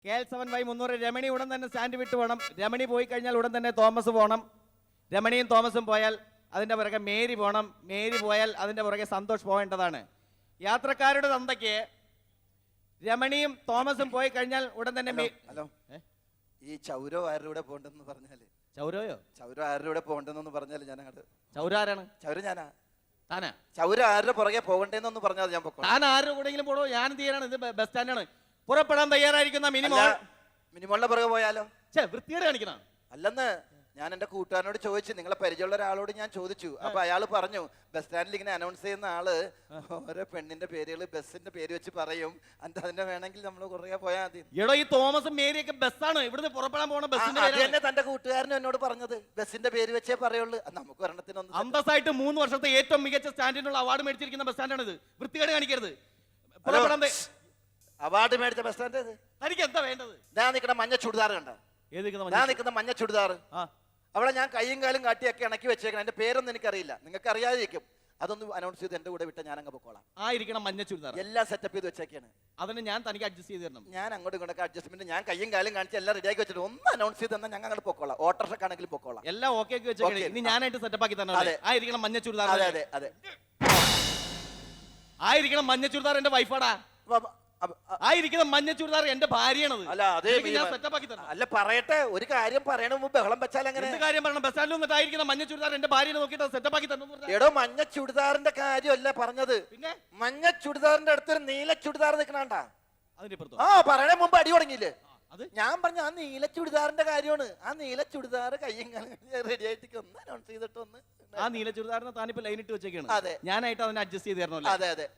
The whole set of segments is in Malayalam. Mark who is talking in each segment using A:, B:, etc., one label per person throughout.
A: KL7Y300 രമണി ഉടൻ തന്നെ സ്റ്റാൻഡ് വിട്ട് പോകണം. രമണി പോയി കഴിഞ്ഞാൽ ഉടൻ തന്നെ തോമസ് പോകണം. രമണിയും തോമസും പോയാൽ അതിൻ്റെ പുറകെ മേരി പോകണം. മേരി പോയാൽ അതിൻ്റെ പുറകെ സന്തോഷ് പോകേണ്ടതാണ്. യാത്രക്കാരുടെ തന്തയ്ക്ക് രമണിയും തോമസും പോയി കഴിഞ്ഞാൽ ഉടൻ തന്നെ
B: ഹലോ, ഈ ചൗരോ ആരുടെ കൂടെ പോകണ്ടെന്ന് പറഞ്ഞാല്
A: ചൗരയോ
B: ചൗരോ ആരുടെ കൂടെ പോകണ്ടെന്ന് പറഞ്ഞാല് ഞാൻ അങ്ങോട്ട്
A: ചൗര ആരാണ്?
B: ചൗര ഞാനാ.
A: താനാ?
B: ചൗര ആരുടെ പുറകെ പോകണ്ടേന്നൊന്ന് പറഞ്ഞാൽ ഞാൻ പൊക്കോ.
A: താൻ ആരുടെ കൂടെങ്കിലും പോടോ. ഞാൻ തീരാണ്. ഇത് ബസ് സ്റ്റാൻഡാണ്. പുറപ്പെടാൻ തയ്യാറായിരിക്കുന്ന
B: മിനിമോളിന്റെ പുറകെ പോയാലോ?
A: വൃത്തിയോടെ കാണിക്കണം.
B: അല്ലെന്ന് ഞാൻ എന്റെ കൂട്ടുകാരനോട് ചോദിച്ചു, നിങ്ങളെ പരിചയമുള്ള ഒരാളോട് ഞാൻ ചോദിച്ചു. അപ്പൊ അയാൾ പറഞ്ഞു, ബസ് സ്റ്റാൻഡിൽ ഇങ്ങനെ അനൗൺസ് ചെയ്യുന്ന ആള് ഓരോ പെണ്ണിന്റെ പേരുകൾ ബസ്സിന്റെ പേര് വെച്ച് പറയും. അതിന്റെ വേണമെങ്കിൽ നമ്മൾ കുറേ പോയാൽ മതി.
A: എടോ, ഈ തോമസും മേരിയൊക്കെ ബസ്സാണ്. ഇവിടുന്ന് പുറപ്പെടാൻ പോണ ബസ്സിന്റെ
B: തന്നെ തന്റെ കൂട്ടുകാരനും എന്നോട് പറഞ്ഞത് ബസ്സിന്റെ പേര് വെച്ചേ പറയുള്ളൂ. നമുക്ക് ഒരെണ്ണത്തിനൊന്നും
A: അന്തസ്സായിട്ട് 3 വർഷത്തെ ഏറ്റവും മികച്ച സ്റ്റാൻഡിനുള്ള അവാർഡ് മേടിച്ചിരിക്കുന്ന ബസ് സ്റ്റാൻഡാണ് ഇത്. വൃത്തികേട് കാണിക്കരുത്. പുറപ്പെടാൻ
B: അവാർഡ് മേടിച്ച ബസ് സ്റ്റാൻഡ്.
A: തനിക്ക് എന്താ വേണ്ടത്?
B: ഞാൻ നിൽക്കുന്ന മഞ്ഞ ചുടിദാർ കണ്ട? ഞാൻ നിൽക്കുന്ന മഞ്ഞ ചുടിദാർ അവിടെ ഞാൻ കയ്യും കാലും കാട്ടിയൊക്കെ ഇണക്കി വെച്ചേക്കണം. എന്റെ പേരൊന്നും എനിക്കറിയില്ല, നിങ്ങൾക്ക് അറിയാതിരിക്കും. അതൊന്ന് അനൗൺസ് ചെയ്ത് എന്റെ കൂടെ വിട്ട ഞാൻ അങ്ങ് പൊക്കോളാം.
A: ആയിരിക്കണം മഞ്ഞ ചുരിദാർ.
B: എല്ലാം സെറ്റപ്പ് ചെയ്ത് വെച്ചേക്കാണ്.
A: അതിന് ഞാൻ തനിക്ക് അഡ്ജസ്റ്റ് ചെയ്ത് തരണം.
B: ഞാൻ അങ്ങോട്ടും ഇങ്ങോട്ടൊക്കെ അഡ്ജസ്റ്റ്മെന്റ് ഞാൻ കയ്യും കാലും കാണിച്ച് എല്ലാം റെഡിയാക്കി വെച്ചിട്ട് ഒന്ന് അനൗൺസ് ചെയ്ത് തന്നാൽ ഞങ്ങൾ അങ്ങോട്ട് പൊക്കോളാം. ഓട്ടോറിക്ഷക്കാണെങ്കിലും പൊക്കോളാം.
A: എല്ലാം ഓക്കെ ആക്കി വെച്ചേക്കണേ. ഇനി ഞാനായിട്ട് സെറ്റപ്പ് ആക്കി തരണം. ആയിരിക്കണം മഞ്ഞ ചുരിദാർ.
B: അതെ അതെ അതെ,
A: ആയിരിക്കണം മഞ്ഞ ചുരിദാർ. എന്റെ വൈഫാടാ. ആയിരിക്കുന്ന മഞ്ഞ ചുരിദാർ എന്റെ ഭാര്യയാണത്.
B: അല്ല പറയട്ടെ, ഒരു കാര്യം പറയണ മുമ്പ് ബഹളം വെച്ചാൽ അങ്ങനെ
A: കാര്യം പറയണം. ബസ് സ്റ്റാൻഡിൽ നിന്നിട്ടായിരിക്കുന്ന മഞ്ഞ ചുരിദാർ എന്റെ ഭാര്യനെ നോക്കിയിട്ട് സെറ്റപ്പ് ആക്കി തന്നു.
B: എടോ, മഞ്ഞ ചുടിദാറിന്റെ കാര്യമല്ല പറഞ്ഞത്. പിന്നെ മഞ്ഞ ചുടിദാറിന്റെ അടുത്തൊരു നീല ചുടിദാർ നിൽക്കണാണ്ടാ. പറയണ മുമ്പ് അടി തുടങ്ങിയില്ലേ? ഞാൻ പറഞ്ഞ ആ നീല ചുടിദാറിന്റെ കാര്യമാണ്. ആ നീല ചുടിദാർ കയ്യും റെഡി ആയിട്ട് ഒന്ന് അനൗൺസ് ചെയ്തിട്ടൊന്ന്.
A: ആ നീല ചുടിദാറിന് താനിപ്പോ ലൈൻ ഇട്ട് വെച്ചേക്കാണ്.
B: അതെ,
A: ഞാനായിട്ട് അതിനെ അഡ്ജസ്റ്റ് ചെയ്ത് തരണല്ലോ.
B: അതെ അതെ.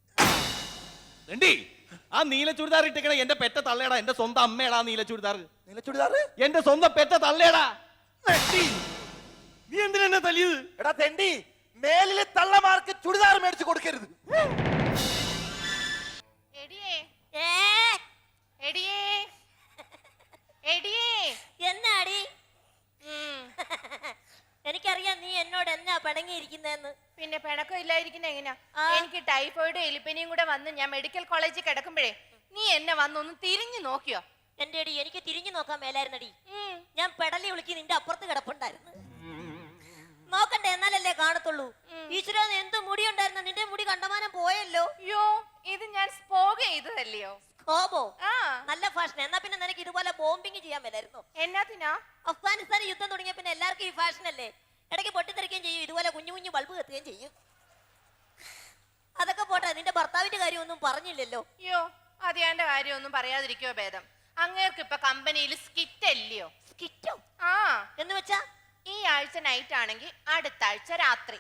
A: ആ നീല ചുരിദാർ ഇട്ടേക്കണേ എന്റെ പെറ്റ തള്ളേടാ. എന്റെ സ്വന്തം അമ്മേടാ നീല ചുരിദാർ.
B: നീല ചുരിദാർ
A: എന്റെ സ്വന്തം പെറ്റ തള്ളേടാ. നീ എന്തിനാ തല്ലിയത്?
B: എടാ തെണ്ടി, മേലിലെ തള്ളമാർക്ക് ചുരിദാർ മേടിച്ചു കൊടുക്കരുത്.
C: എന്നാടി? എനിക്കറിയാം നീ എന്നോട് എന്നാ പിണങ്ങിയിരിക്കുന്നതെന്ന്.
D: പിന്നെ പിണക്കം ഇല്ലായിരിക്കുന്ന എങ്ങനെയാ? എനിക്ക് ടൈഫോയിഡ് എലിപ്പനിയും കൂടെ വന്ന് ഞാൻ മെഡിക്കൽ കോളേജിൽ കിടക്കുമ്പോഴേ നീ എന്നെ വന്നൊന്ന് തിരിഞ്ഞു നോക്കിയോ?
C: എന്റെ അടി, എനിക്ക് തിരിഞ്ഞു നോക്കാൻ മേലായിരുന്നടി. ഞാൻ പെടലി വിളിക്ക് നിന്റെ അപ്പുറത്ത് കിടപ്പുണ്ടായിരുന്നു. നോക്കണ്ടേ, എന്നാലല്ലേ കാണത്തുള്ളൂ. ഈശ്വര, എന്ത് മുടി ഉണ്ടായിരുന്ന? നിന്റെ മുടി കണ്ടമാനം പോയല്ലോ.
D: യോ, ഇത് ഞാൻ സ്പോഗ് ചെയ്തതല്ലയോ?
C: നല്ല ഫാഷൻ. എന്നാ പിന്നെ നിനക്ക് ഇതുപോലെ ബോംബിങ് ചെയ്യാൻ മേലായിരുന്നു.
D: എന്നാത്തിനാ?
C: അഫ്ഗാനിസ്ഥാൻ യുദ്ധം തുടങ്ങിയ പിന്നെ എല്ലാവർക്കും ഈ ഫാഷൻ അല്ലേ. ഇടയ്ക്ക് പൊട്ടിത്തെറിക്കുകയും ചെയ്യും, ഇതുപോലെ കുഞ്ഞു കുഞ്ഞു ബൾബ് കത്തുകയും ചെയ്യും. അതൊക്കെ പോട്ടെ, നിന്റെ ഭർത്താവിന്റെ കാര്യമൊന്നും പറഞ്ഞില്ലല്ലോ.
D: യോ, അതിയാന്റെ കാര്യമൊന്നും പറയാതിരിക്കോ ഭേദം. അങ്ങേർക്ക് ഇപ്പൊ കമ്പനിയിൽ സ്കിറ്റ് അല്ലയോ?
C: സ്കിറ്റോ?
D: ആ,
C: എന്ന് വെച്ചാ
D: ഈ ആഴ്ച നൈറ്റ് ആണെങ്കിൽ അടുത്ത ആഴ്ച രാത്രി.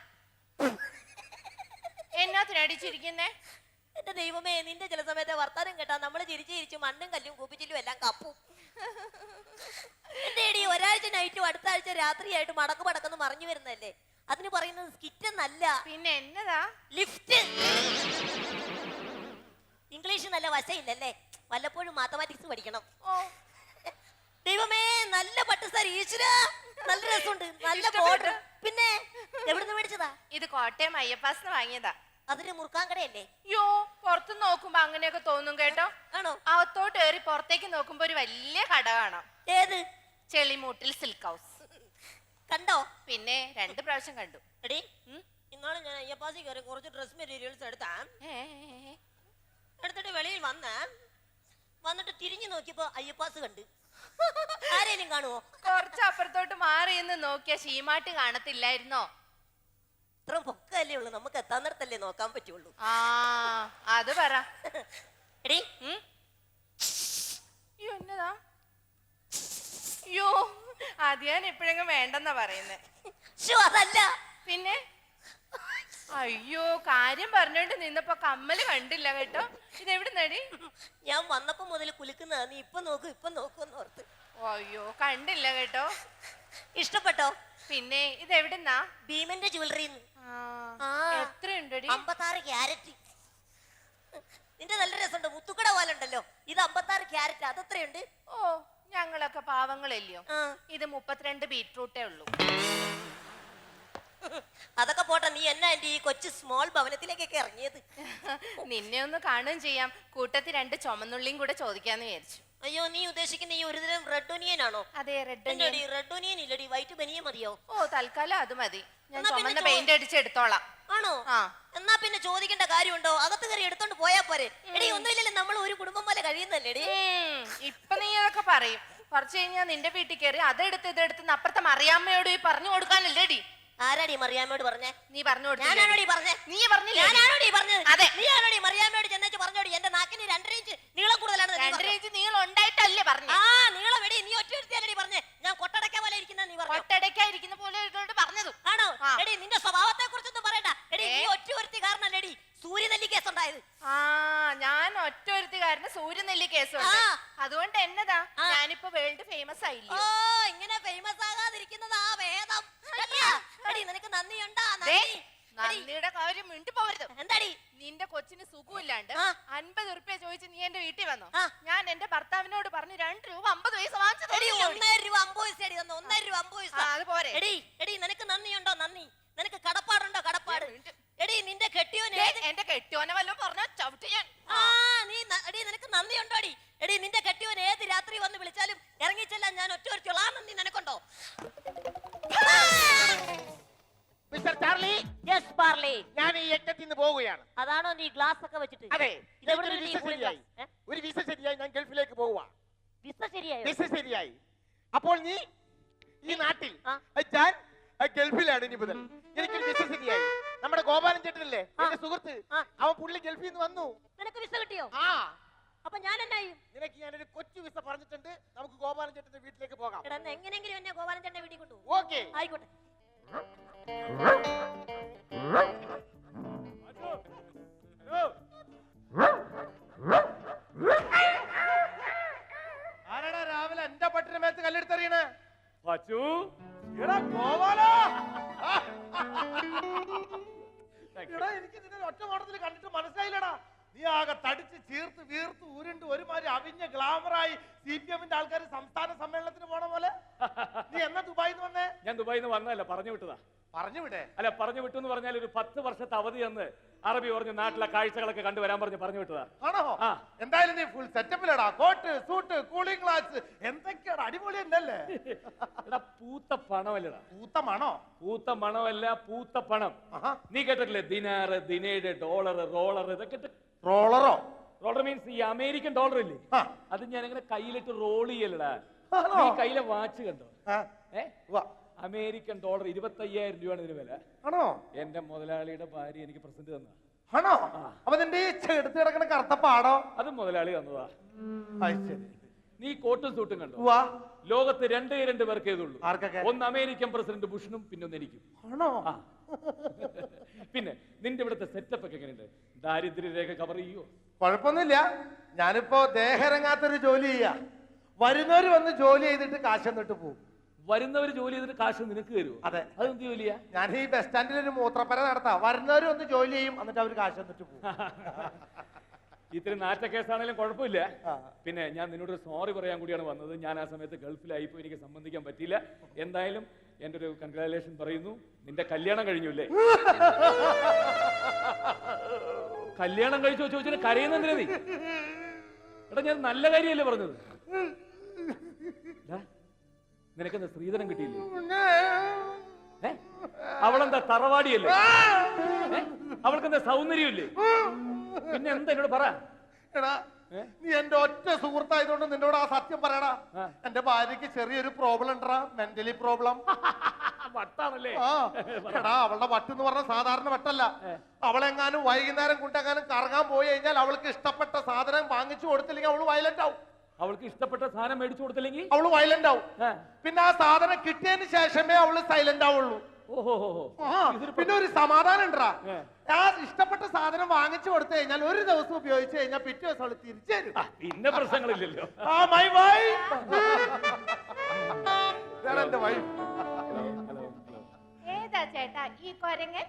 D: എന്നാത്തിനടിച്ചിരിക്കുന്നേ?
C: എന്റെ ദൈവമേ, നിന്റെ ചില സമയത്തെ വർത്താനം കേട്ടാ നമ്മള് ചിരിച്ചു ചിരിച്ചു മണ്ണും കല്ലും കൂപ്പിച്ചിലും എല്ലാം കപ്പും. എന്റെ ഒരാഴ്ച നൈറ്റും അടുത്ത ആഴ്ച രാത്രിയായിട്ട് മടക്ക് മടക്കെന്ന് മറിഞ്ഞു വരുന്നല്ലേ. അതിന് പറയുന്നത് സ്കിറ്റ് എന്നല്ല.
D: പിന്നെ എന്നതാ?
C: ലിഫ്റ്റ്. ഇംഗ്ലീഷ് നല്ല വശയില്ലല്ലേ, വല്ലപ്പോഴും മാത്തമാറ്റിക്സ് പഠിക്കണം. ദൈവമേ, നല്ല പട്ടുസാരി. ഈശ്വര, നല്ല രസമുണ്ട്, നല്ല ബോർഡർ. പിന്നെ എവിടുന്ന് മേടിച്ചതാ?
D: ഇത് കോട്ടയം അയ്യപ്പാസിന് വാങ്ങിയതാ.
C: അതിന് മുറുക്കാൻ കടയല്ലേ?
D: യോ, പുറത്ത് നോക്കുമ്പോ അങ്ങനെയൊക്കെ തോന്നും കേട്ടോ.
C: ആണോ?
D: അകത്തോട്ട് കയറി പുറത്തേക്ക് നോക്കുമ്പോ ഒരു വലിയ കട കാണാം.
C: ഏത്?
D: ചെളിമൂട്ടിൽ സിൽക്ക് ഹൗസ്.
C: കണ്ടോ?
D: പിന്നെ 2 പ്രാവശ്യം കണ്ടു.
C: എടി, ഇന്നാളെ ഞാൻ അയ്യപ്പാസി കയറി കുറച്ച് ഡ്രസ് മെറ്റീരിയൽസ് എടുത്തിട്ട് വെളിയിൽ വന്നിട്ട് തിരിഞ്ഞു നോക്കിയപ്പോ അയ്യപ്പാസ് കണ്ട്. ആരേലും കാണുവോ?
D: കുറച്ച് അപ്പുറത്തോട്ട് മാറി എന്ന് നോക്കിയ ശീമാട്ട് കാണത്തില്ലായിരുന്നോ?
C: ഇത്ര പൊക്കല്ലേ ഉള്ളു, നമുക്ക് എത്താൻ നേരത്തല്ലേ നോക്കാൻ പറ്റുള്ളൂ.
D: ആ, അത് പറ.
C: എടി,
D: എന്നതാ? യോ, അത് ഞാൻ എപ്പോഴെങ്കിലും വേണ്ടെന്നാ പറയുന്നേ.
C: അതല്ല
D: പിന്നെ? അയ്യോ, കാര്യം പറഞ്ഞോണ്ട് നിന്നപ്പോ കമ്മല് കണ്ടില്ല കേട്ടോ. ഇതെവിടെ നടി?
C: ഞാൻ വന്നപ്പോ മുതൽ കുലുക്കുന്നതാ. നീ ഇപ്പൊ നോക്കൂന്ന് ഓർത്ത്.
D: അയ്യോ, കണ്ടില്ല കേട്ടോ.
C: ഇഷ്ടപ്പെട്ടോ?
D: പിന്നെ ഇതെവിടുന്നാ?
C: ഭീമന്റെ ജ്വല്ലറി.
D: എത്രയുണ്ടടി?
C: 56 ക്യാരറ്റ്. നിന്റെ നല്ല രസമുണ്ട്, മുത്തുക്കട പോലെ ഉണ്ടല്ലോ. ഇത് 56 ക്യാരറ്റ്. അതെത്രയുണ്ട്?
D: ഓ, ഞങ്ങളൊക്കെ പാവങ്ങളല്ലയോ. ഇത് 32 ബീറ്റ്റൂട്ടേ ഉള്ളൂ.
C: അതൊക്കെ പോട്ടെ, നീ എന്നാ എന്റെ ഈ കൊച്ചു സ്മോൾ ഭവനത്തിലേക്കൊക്കെ ഇറങ്ങിയത്?
D: നിന്നെ ഒന്ന് കാണുകയും ചെയ്യാം, കൂട്ടത്തിൽ 2 ചുമന്നുള്ളിയും കൂടെ ചോദിക്കാന്ന് വിചാരിച്ചു.
C: അയ്യോ, നീ ഉദ്ദേശിക്കുന്ന ഈ ഒരുതരം റെഡ് ഒനിയൻ ആണോ?
D: അതെ, റെഡ്
C: റെഡ് ഒനിയൻ ഇല്ലടി, വൈറ്റ് ബനിയൻ മതിയോ?
D: ഓ, തൽക്കാലം അത് മതി. ഞാൻ
C: എന്നാ പിന്നെ
D: ചുമന്ന പെയിന്റ് അടിച്ച് എടുത്തോളാം.
C: ആണോ?
D: ആ.
C: എന്നാ പിന്നെ ചോദിക്കേണ്ട കാര്യമുണ്ടോ? അകത്ത് കയറി എടുത്തോണ്ട് പോയാ പോരെ. എടി, ഒന്നുമില്ലല്ലോ, നമ്മൾ ഒരു കുടുംബം പോലെ കഴിയുന്നല്ലേ.
D: ഇപ്പൊ നീ അതൊക്കെ പറയും, കുറച്ച് കഴിഞ്ഞാൽ നിന്റെ വീട്ടിൽ കയറി അതെടുത്ത് ഇതെടുത്ത് അപ്പുറത്തെ മറിയാമ്മയോട് പറഞ്ഞു കൊടുക്കാനല്ലേടി.
C: ആരാടി മറിയാമ്മയോട് പറഞ്ഞേ?
D: നീ പറഞ്ഞു കൊടുത്തു.
C: ഞാനാണോടി പറഞ്ഞേ?
D: നീ പറഞ്ഞില്ലേ?
C: ഞാനാണോടി പറഞ്ഞത്?
D: അതെ.
C: നീ ആണോടി മറിയാമ്മയോട് ചെന്നേച്ച് പറഞ്ഞോടി എന്റെ നാക്കിന് 2.5 ഇഞ്ച് നീളം കൂടുതലാണ്?
D: 2 ഇഞ്ച് നീളം ഉണ്ടായിട്ടല്ലേ പറഞ്ഞു?
C: ആ, നീളം എടി, നീ ഒറ്റ എടുത്തല്ലേ പറഞ്ഞേ? ഞാൻ കൊട്ടടക്ക പോലെ ഇരിക്കുന്ന നീ പറഞ്ഞു.
D: കൊട്ടടയ്ക്കായിരിക്കുന്ന പോലെ പറഞ്ഞത്
C: ആണോ? എടി, നിന്റെ സ്വഭാവത്തെ കുറിച്ചൊന്നും പറയണ്ട. എടി, നീ ഒറ്റ ഒരുത്തി കാരണല്ലേടി സൂര്യനെല്ലി കേസ് ഉണ്ടായത്.
D: ആ, ഞാൻ ഒറ്റ ഒരുത്തുകാരന് സൂര്യനെല്ലി കേസുണ്ട്. അതുകൊണ്ട് എന്നതാ ഞാനിപ്പോ വേൾഡ് ഫേമസ് ആയില്ലേ?
C: ഓ, ഇങ്ങനെ ഫേമസ് ആകാതിരിക്കുന്നതാ ഭേദം. എടി, നിനക്ക് നന്ദിയുണ്ടാ?
D: നന്ദിയുടെ കാര്യം മിണ്ടി പോവരുത്.
C: എന്താടി?
D: നിന്റെ കൊച്ചിന് സുഖമില്ലാണ്ട് 50 ഉറുപ്പ്യ ചോദിച്ച് നീ എന്റെ വീട്ടിൽ വന്നു.
C: ആ.
D: ഞാൻ എന്റെ ഭർത്താവിനോട് പറഞ്ഞു 2 രൂപ 50 പൈസ വാങ്ങിച്ചു.
C: എടി, 1 രൂപ 50 പൈസ അടി തന്നു. 1 രൂപ 50 പൈസ.
D: അത് പോരെ?
C: എടി, നിനക്ക് നന്ദിയുണ്ടോ? നന്ദി. നിനക്ക് കടപ്പാടുണ്ടോ? കടപ്പാട്. എടി, നിന്റെ കെട്ടിയോൻ
D: എന്റെ കെട്ടിയോനെ വല്ലതും പറഞ്ഞാ ചവിട്ടി ഞാൻ.
C: എടി, നിനക്ക് നന്ദിയുണ്ടോ? എടി, നിന്റെ കെട്ടിയോൻ ഏത് രാത്രി വന്ന് വിളിച്ചാലും ഇറങ്ങിച്ചെല്ലാൻ ഞാൻ ഒറ്റ ഒരുത്തിയുള്ള ആ നന്ദി നിനക്കുണ്ടോ?
E: Mister Charlie,
C: yes Parly.
E: ഞാൻ ഈ യജ്ഞത്തിൽ നിന്ന് പോവുകയാണ്.
C: അതാണോ നീ ഗ്ലാസ് ഒക്കെ വെച്ചിട്ട്?
E: അതെ,
C: ഇതെവിടെ
E: ഒരു
C: നിന്ന്
E: വിസ
C: ഈ പുളി
E: ശരിയായി.
C: glass?
E: ഒരു വിസ ശരിയായി, ഞാൻ ഗൾഫിലേക്ക് പോവുക.
C: വിസ ശരിയായോ?
E: വിസ ശരിയായി. അപ്പോൾ നീ ഈ നാട്ടിൽ
C: ആ.
E: ഞാൻ ഗൾഫിലാണ് ഇനി മുതൽ. എനിക്കൊരു വിസ ശരിയായി. നമ്മുടെ ഗോപാലൻ ചേട്ടനല്ലേ എന്റെ സുഹൃത്ത്, അവൻ പുള്ളി ഗൾഫിൽ നിന്ന് വന്നു.
C: നിനക്ക് വിസ കിട്ടിയോ?
E: ആ,
C: അപ്പൊ ഞാൻ എന്നായി?
E: നിനക്ക് ഞാനൊരു കൊച്ചു വിസ പറഞ്ഞിട്ടുണ്ട്. നമുക്ക് ഗോപാലൻ ചേട്ടന്റെ വീട്ടിലേക്ക് പോകാം.
C: എടാ, എങ്ങനെയെങ്കിലും എന്നെ ഗോപാലൻ ചേട്ടന്റെ വീട്ടിൽ കൊണ്ടുപോകും.
E: ഓക്കെ.
C: ആയിക്കോട്ടെ.
E: ആരാടാ രാവിലെ എന്റെ പട്ടിന് മേത്ത് കല്ലെടുത്തെറിയണേ?
F: പച്ചു,
E: എടാ ഗോപാലാ! എടാ, എനിക്ക് നിന്നെ ഒറ്റ നോട്ടത്തിൽ കണ്ടിട്ട് മനസ്സിലായില്ലടാ. നീ ആകെ തടിച്ച് ചീർത്ത് വീർത്ത് ഉരുണ്ട് ഒരുമാതിരി അവിഞ്ഞ ഗ്ലാമറായി CPM-ന്റെ ആൾക്കാർ സംസ്ഥാന സമ്മേളനത്തിന് പോണ പോലെ. നീ എന്നാ ദുബായിന്ന് വന്നേ?
F: ഞാൻ ദുബായിൽ നിന്ന് വന്നതല്ല, പറഞ്ഞു വിട്ടതാ.
E: പറഞ്ഞു വിടേ?
F: അല്ല, പറഞ്ഞു വിട്ടു എന്ന് പറഞ്ഞാൽ ഒരു 10 വർഷത്തെ അവധി എന്ന് അറബി പറഞ്ഞ് നാട്ടിലെ കാഴ്ചകളൊക്കെ കണ്ടുവരാൻ പറഞ്ഞു വിട്ടതാ.
E: ആണോ?
F: ആ.
E: എന്തായാലും നീ ഫുൾ സെറ്റപ്പിലടാ. കോട്ട്, സൂട്ട്, കൂളിംഗ് ഗ്ലാസ്, എന്തൊക്കെയാണ് അടിപൊളി ഉണ്ടല്ലേ?
F: എടാ, പൂത്ത പണമല്ലടാ.
E: പൂത്തമാണോ?
F: പൂത്ത മണമല്ല, പൂത്ത പണം.
E: ആഹാ.
F: നീ കേട്ടിട്ടില്ലേ? ദിനാറ്, ദിനേഡ്, ഡോളർ, റോളർ, ഇതൊക്കെ.
E: റോളറോ?
F: റോളർ മീൻസ് ഈ അമേരിക്കൻ ഡോളർ ഇല്ലേ,
E: ആ.
F: അത് ഞാൻ ഇങ്ങനെ കയ്യിലിട്ട് റോൾ ചെയ്യലടാ.
E: ആണോ?
F: നീ കയ്യിലെ വാച്ച് കണ്ടോ?
E: ആ. ഉവ്വ.
F: അമേരിക്കൻ ഡോളർ 25,000 രൂപയാണ് ഇതിന് വില.
E: ആണോ?
F: എന്റെ മുതലാളിയുടെ ഭാര്യ എനിക്ക് പ്രസന്റ് തന്ന.
E: ആണോ? അപ്പൊ നിന്റെ ഈ ചെടുത്ത് കിടക്കണ കറുത്ത പാടോ?
F: അത് മുതലാളി തന്നതാ.
E: അത് ശരി.
F: നീ കോട്ടും സൂട്ടും കണ്ടോ?
E: ഉവ്വ.
F: ലോകത്ത് 2 പേർക്കേ ഇതുള്ളൂ.
E: ആർക്കൊക്കെ?
F: ഒന്ന് അമേരിക്കൻ പ്രസിഡന്റ് ബുഷനും പിന്നെ ഒന്ന് എനിക്കും.
E: ആണോ?
F: ആ. പിന്നെ നിന്റെ ഇവിടുത്തെ സെറ്റപ്പ് ഒക്കെ എങ്ങനെയുണ്ട്? ദാരിദ്ര്യരേഖ കവർ ചെയ്യോ?
E: കുഴപ്പമൊന്നുമില്ല. ഞാനിപ്പോ ദേഹരങ്ങാത്തൊരു ജോലി ചെയ്യാ. വരുന്നവര് വന്ന് ജോലി ചെയ്തിട്ട് കാശ് എന്നിട്ട് പോകും.
F: വരുന്നവർ ജോലി ചെയ്തിട്ട് കാശ് നിനക്ക് തരുമോ?
E: അതെ.
F: അതെന്ത് ജോലിയാ?
E: ഞാൻ ഈ ബസ് സ്റ്റാൻഡിൽ ഒരു മൂത്രപ്പര നടത്താം. വരുന്നവര് വന്ന് ജോലി ചെയ്യും, എന്നിട്ട് അവര് കാശ് എന്നിട്ട് പോകും.
F: ഇത്തിരി നാറ്റ കേസാണെങ്കിലും കുഴപ്പമില്ല.
E: ആ.
F: പിന്നെ ഞാൻ നിന്നോട് സോറി പറയാൻ കൂടിയാണ് വന്നത്. ഞാൻ ആ സമയത്ത് ഗൾഫിലായിപ്പോ എനിക്ക് സംബന്ധിക്കാൻ പറ്റിയില്ല. എന്തായാലും എൻ്റെ ഒരു കൺഗ്രാജുലേഷൻ പറയുന്നു. നിന്റെ കല്യാണം കഴിഞ്ഞില്ലേ? കല്യാണം കഴിച്ചോ ചോദിച്ചാൽ കരയുന്നെന്തിനാ നീ? എടാ, ഞാൻ നല്ല കാര്യമല്ലേ പറഞ്ഞത്? നിനക്കെന്താ ശ്രീധരൻ കിട്ടിയില്ലേ? അവളെന്താ തറവാടിയല്ലേ? അവൾക്കെന്താ സൗന്ദര്യമില്ലേ? പിന്നെ എന്താ എന്നോട് പറ.
E: എടാ, നീ എന്റെ ഒറ്റ സുഹൃത്തായതുകൊണ്ട് നിന്നോട് ആ സത്യം പറയടാ. എന്റെ ഭാര്യക്ക് ചെറിയൊരു പ്രോബ്ലം ഉണ്ടടാ, മെന്റലി പ്രോബ്ലം.
F: വട്ടാണല്ലേ?
E: ആ. എടാ, അവളുടെ വട്ടെന്ന് പറഞ്ഞ സാധാരണ വട്ടല്ല. അവളെങ്ങാനും വൈകുന്നേരം കൊണ്ടെങ്ങാനും കറങ്ങാൻ പോയി കഴിഞ്ഞാൽ അവൾക്ക് ഇഷ്ടപ്പെട്ട സാധനം വാങ്ങിച്ചു കൊടുത്തില്ലെങ്കിൽ അവള് വയലന്റ് ആവും.
F: അവൾക്ക് ഇഷ്ടപ്പെട്ട സാധനം മേടിച്ചു കൊടുത്തില്ലെങ്കിൽ
E: അവള് വയലന്റ് ആവും. പിന്നെ ആ സാധനം കിട്ടിയതിന് ശേഷമേ അവള് സൈലന്റ് ആവുള്ളൂ.
F: ഓഹോ.
E: പിന്നെ ഒരു സമാധാനം ഉണ്ടാ. ആ ഇഷ്ടപ്പെട്ട സാധനം വാങ്ങിച്ചു കൊടുത്തു കഴിഞ്ഞാൽ ഒരു ദിവസം ഉപയോഗിച്ച് കഴിഞ്ഞാൽ പിറ്റേ ദിവസം അവള് തിരിച്ചു തരും.
F: പിന്നെ പ്രശ്നങ്ങളില്ലല്ലോ.
E: ആ, മൈ വൈഫ്. എന്റെ വൈഫ്.
D: ഏതാ ചേട്ടാ ഈ കൊരങ്ങൻ?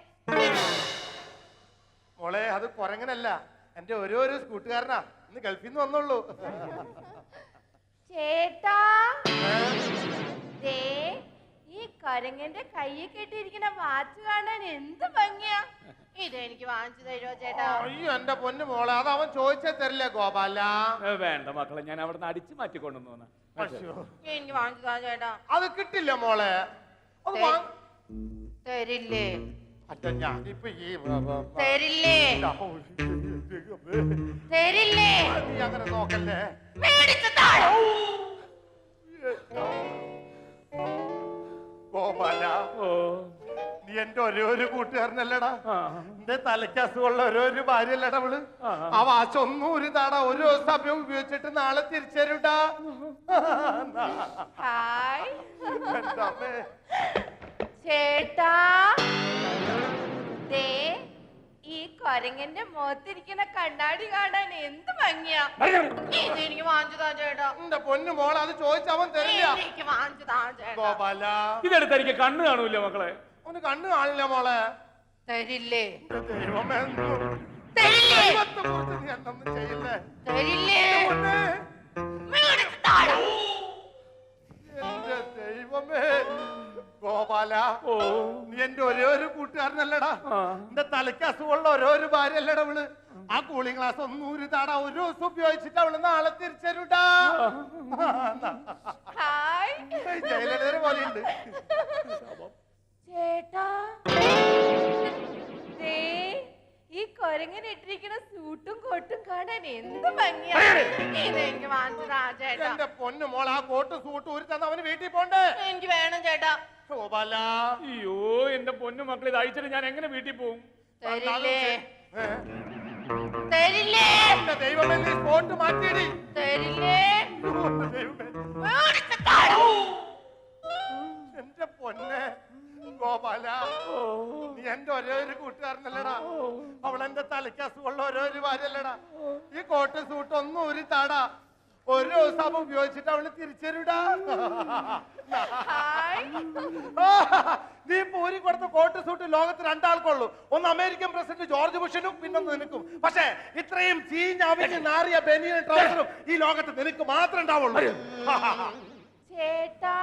E: മോളെ, അത് കൊരങ്ങനല്ല, എന്റെ ഓരോരോ കൂട്ടുകാരനാ. ഇന്ന് ഗൾഫിൽ നിന്ന് വന്നുള്ളൂ.
D: ചേട്ടാ, ദേ ഈ കൊരങ്ങൻ കൊരങ്ങന്റെ കയ്യിൽ കെട്ടിയിരിക്കുന്ന വാച്ച് കാണാൻ എന്ത് ഭംഗിയാ. ഇതെനിക്ക് വാങ്ങിച്ചു തരുമോ ചേട്ടാ?
E: അയ്യോ എന്റെ പൊന്നു മോളെ, അത് അവൻ ചോദിച്ചേ തരില്ലേ ഗോപാല.
F: വേണ്ട മക്കളെ, ഞാൻ അവിടെ നിന്ന് അടിച്ചു മാറ്റി കൊണ്ടുവന്നു.
D: എനിക്ക് വാങ്ങിച്ചു താ ചേട്ടാ.
E: അത് കിട്ടില്ല മോളെ, അത്
D: തരില്ലേ?
E: അച്ഛ ഞാനിപ്പോ ഈ
D: തരില്ലേ? തരില്ലേ?
E: നീ അങ്ങനെ നോക്കല്ലേ.
D: മേടിച്ചു താഴെ.
E: ഗോപാല, നീ എന്റെ ഒരേ ഒരു കൂട്ടുകാരനല്ലടാ. എന്റെ തലയ്ക്ക് അസുഖമുള്ള ഓരോ ഭാര്യയല്ലടാ അവള്. ആ വാച്ച് ഒന്നും ഒരു താടാ ഒരു സമയം ഉപയോഗിച്ചിട്ട് നാളെ തിരിച്ചരുടാ.
D: ഹായ്
E: എന്താ അമ്മേ?
D: ചേട്ടാ, ദേ ഈ കൊരങ്ങന്റെ മുഖത്തിരിക്കുന്ന കണ്ണാടി കാണാൻ എന്ത് ഭംഗിയാ. ഇത് എനിക്ക് വാങ്ങിച്ചു താ ചേട്ടാ.
E: എന്റെ പൊന്നു മോളെ, അത് ചോദിച്ചവൻ തരില്ല.
D: എനിക്ക് വാങ്ങിച്ചു താ ചേട്ടാ.
E: ഗോപാല,
F: ഇതെടുത്ത് എനിക്ക് കണ്ണ് കാണൂല മക്കളെ.
E: അവന് കണ്ണ് കാണില്ല മോളെ.
D: തരില്ലേ?
E: എന്റെ ദൈവമേ,
D: തരില്ലേ?
E: ദൈവത്തെ കുറിച്ച് നീ എന്തൊന്നും ചെയ്യില്ലേ?
D: തരില്ലേ?
E: പൊന്നേ,
D: മേടിച്ചു താഴെ.
E: എന്റെ ദൈവമേ. ഗോപാല, നീ എന്റെ ഒരേ ഒരു കൂട്ടുകാരനല്ലടാ. എന്റെ തലയ്ക്ക് അസുഖമുള്ള ഓരോ ഭാര്യയല്ലടാ അവള്. ആ കൂളിംഗ് ഗ്ലാസ് ഒന്നും ഒരു താടാ ഒരു ദിവസം ഉപയോഗിച്ചിട്ട് അവള് നാളെ തിരിച്ചരുടാ.
D: ഹായ്
E: ജയിലടേരെ പോലെയുണ്ട്.
D: ചേട്ടാ, ദേ ഈ കൊരങ്ങനെ ഇട്ടിരിക്കുന്ന സൂട്ടും കോട്ടും കാണാൻ എന്ത് ഭംഗിയാ. ഇതെനിക്ക് വാങ്ങിച്ചു താ ചേട്ടാ.
E: എന്റെ പൊന്നു മോൾ, ആ കോട്ട് സൂട്ട് ഒരു തന്നെ അവന് വീട്ടിൽ പോണ്ടേ.
D: എനിക്ക് വേണം ചേട്ടാ.
E: ഗോപാല,
F: അയ്യോ എന്റെ പൊന്നു മക്കളെ, ഇത് അയച്ചിട്ട് ഞാൻ എങ്ങനെ വീട്ടിൽ പോകും?
D: തരില്ലേ?
E: ഏ?
D: തരില്ലേ?
E: എന്റെ ദൈവമേ, നീ കോട്ട് മാറ്റിയിടി.
D: തരില്ലേ?
E: എന്റെ ദൈവമേ.
D: മേടിച്ചു താഴെ.
E: എന്റെ പൊന്നെ ഗോപാല, നീ എന്റെ ഒരേ ഒരു കൂട്ടുകാരനല്ലടാ. അവളെന്റെ തലയ്ക്ക് അസുഖമുള്ള ഓരോ ഭാര്യല്ലടാ. ഈ കോട്ട് സൂട്ട് ഒന്നും ഒരു താടാ ഒരു ദിവസം ഉപയോഗിച്ചിട്ട് അവള് തിരിച്ചരുടാ.
D: ഹായ്
E: നീ പൂരി കൊടുത്ത കോട്ട് സൂട്ട് ലോകത്ത് രണ്ടാൾക്കുള്ളൂ. ഒന്ന് അമേരിക്കൻ പ്രസിഡന്റ് ജോർജ് ബുഷനും പിന്നൊന്ന് നിനക്കും. പക്ഷേ ഇത്രയും ചീഞ്ഞാവിഞ്ഞ് നാറിയ ബനിയൻ ട്രൗസറും ഈ ലോകത്ത് നിനക്ക് മാത്രമേ ഉണ്ടാവുള്ളൂ.
D: ചേട്ടാ,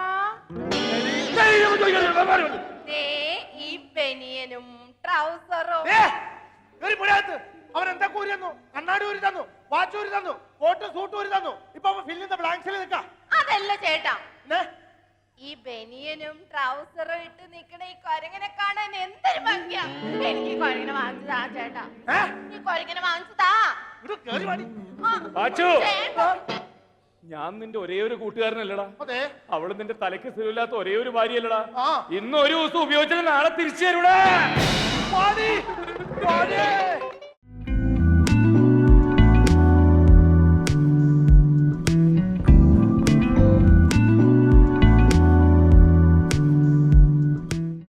D: ദേ ഈ ബനിയനും ട്രൗസറും.
E: അവൻ എന്താ കൂരി തന്നു? കണ്ണാടി ഊരി തന്നു, വാച്ച് ഊരി തന്നു, കോട്ട് സൂട്ട് ഊരി തന്നു. ഇപ്പൊ ഫില്ല് ദ ബ്ലാങ്ക്സിൽ നിൽക്കാം.
D: അതല്ല ചേട്ടാ, ഈ ബനിയനും ട്രൗസറും ഇട്ട് നിക്കണ ഈ കൊരങ്ങനെ കാണാൻ എന്തൊരു ഭംഗിയാ. എനിക്ക് ഈ കൊരങ്ങനെ വാങ്ങിച്ചു താ ചേട്ടാ. ഈ കൊരങ്ങനെ വാങ്ങിച്ചു താ.
F: വാച്ചു,
D: ചേട്ടാ,
F: ഞാൻ നിന്റെ ഒരേ ഒരു കൂട്ടുകാരനല്ലടാ.
E: അതെ,
F: അവള് നിന്റെ തലയ്ക്ക് സുഖമില്ലാത്ത ഒരേ ഒരു ഭാര്യയല്ലടാ.
E: ആ.
F: ഇന്ന് ഒരു ദിവസം ഉപയോഗിച്ചിട്ട് നാളെ തിരിച്ചു തരൂടാ.
E: പാടി, പാടി.